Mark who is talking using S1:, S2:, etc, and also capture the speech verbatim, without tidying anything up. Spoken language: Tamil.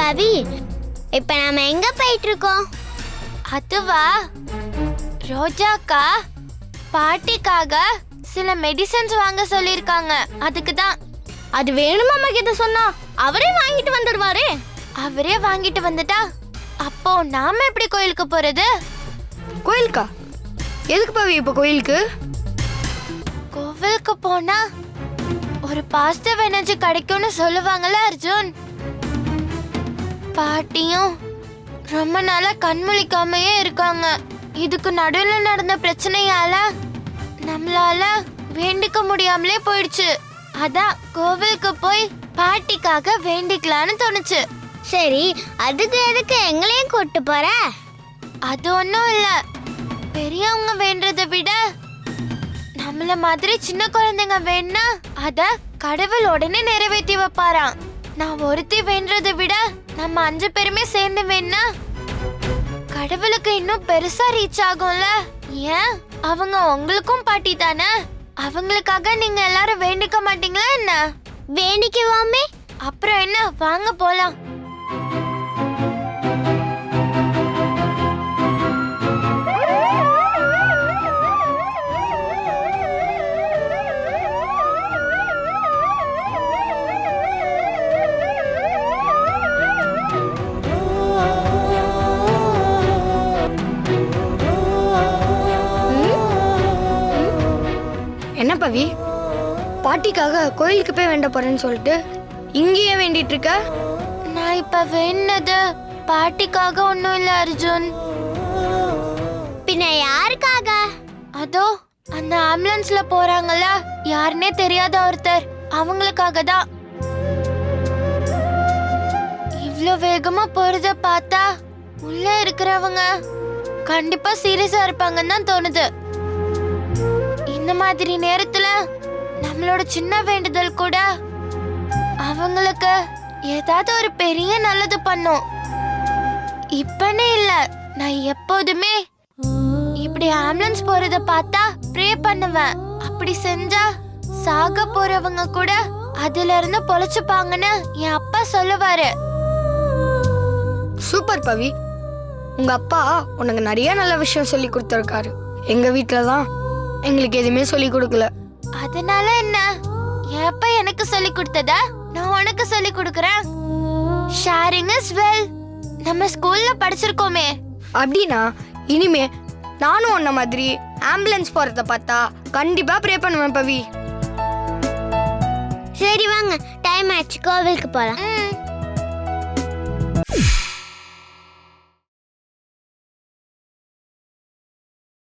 S1: பவி, இப்ப நாம எங்க போயிட்டு இருக்கோம்?
S2: அதுவா, ரோஜாக்கா பாட்டிக்காக சில மெடிசன்ஸ் வாங்க சொல்லிருக்காங்க. அதுக்கு தான்.
S1: அது வேணுமா அம்மா கிட்ட சொன்னா அவரே வாங்கிட்டு வந்துடுவாரே.
S2: அவரே வாங்கிட்டு வந்துட்டா அப்போ நாம எப்படி கோயிலுக்கு போறது?
S3: கோயிலுக்கா? எதுக்கு பவி இப்ப கோயிலுக்கு?
S2: கோவிலுக்கு போனா ஒரு பாசிட்டிவ் எனர்ஜி கிடைக்கும்னு சொல்லுவாங்கல்ல அர்ஜுன். பாட்டியும் ரொம்ப நாளா கண் முழிக்காமையே இருக்காங்க. இதுக்கு நடுவில் நடந்த பிரச்சனையால நம்மளால வேண்டிக்க முடியாமலே போயிடுச்சு. அதான் கோவிலுக்கு போய் பாட்டிக்காக வேண்டிக்கலான்னு தோணுச்சு.
S1: சரி, அதுக்கு எதுக்கு எங்களையும் கூட்டு போற?
S2: அது ஒன்றும் இல்லை. பெரியவங்க வேண்டதை விட நம்மள மாதிரி சின்ன குழந்தைங்க வேணா அத கடவுள் உடனே நிறைவேற்றி வைப்பாராம். நான் ஒருத்தி வேண்டதை விட நம்ம அஞ்சு பேருமே சேர்ந்து வேணா கடவுளுக்கு இன்னும் பெருசா ரீச் ஆகும்ல. ஏன், அவங்க உங்களுக்கும் பாட்டி தானே. அவங்களுக்காக நீங்க எல்லாரும் வேண்டிக்க மாட்டீங்களா என்ன?
S1: வேண்டிக்குவோமே.
S2: அப்புறம் என்ன, வாங்க போலாம்.
S3: என்ன பவி, பாட்டிக்காக கோயிலுக்கு போய் வேண்ட போறேன்னு சொல்லிட்டு இங்கேயே வேண்டிட்டு இருக்க?
S2: நான் இப்ப வேண்டது பாட்டிக்காக ஒண்ணும் இல்ல அர்ஜுன்.
S1: பின்ன யாருக்காக?
S2: அதோ அந்த ஆம்புலன்ஸ்ல போறாங்கல்ல, யாருன்னே தெரியாத ஒருத்தர், அவங்களுக்காக தான். இவ்ளோ வேகமா போறத பார்த்தா உள்ள இருக்கிறவங்க கண்டிப்பா சீரியஸா இருப்பாங்கன்னு தான் தோணுது. இந்த மாதிரி நேரத்துல நம்மளோட சின்ன வேண்டுதல் கூட அவங்களுக்கு ஏதாவது ஒரு பெரிய நல்லது பண்ணும். இப்பனே இல்ல, நான் எப்போதுமே இப்படி ஆம்புலன்ஸ் போறத பார்த்தா ப்ரே பண்ணுவேன். அப்படி செஞ்சா சாக போறவங்க கூட அதுல இருந்து பொழைச்சுப்பாங்கன்னு என் அப்பா சொல்லுவாரு.
S3: சூப்பர் பவி, உங்க அப்பா உனக்கு நிறைய நல்ல விஷயம் சொல்லி கொடுத்துருக்காரு. எங்க வீட்டுலதான் எங்களுக்கு எதுவுமே சொல்லி கொடுக்கல.
S2: அதனால என்ன, என் அப்பா எனக்கு சொல்லி கொடுத்ததா நான் உனக்கு சொல்லி கொடுக்கறேன். ஷேரிங் இஸ் வெல், நம்ம ஸ்கூல்ல படிச்சிருக்கோமே.
S3: அப்படின்னா இனிமே நானும் உன்ன மாதிரி ஆம்புலன்ஸ் போறத பார்த்தா கண்டிப்பா ப்ரே பண்ணுவேன் பவி.
S1: சரி வாங்க, டைம் ஆச்சு, கோவிலுக்கு போலாம்.
S2: ம்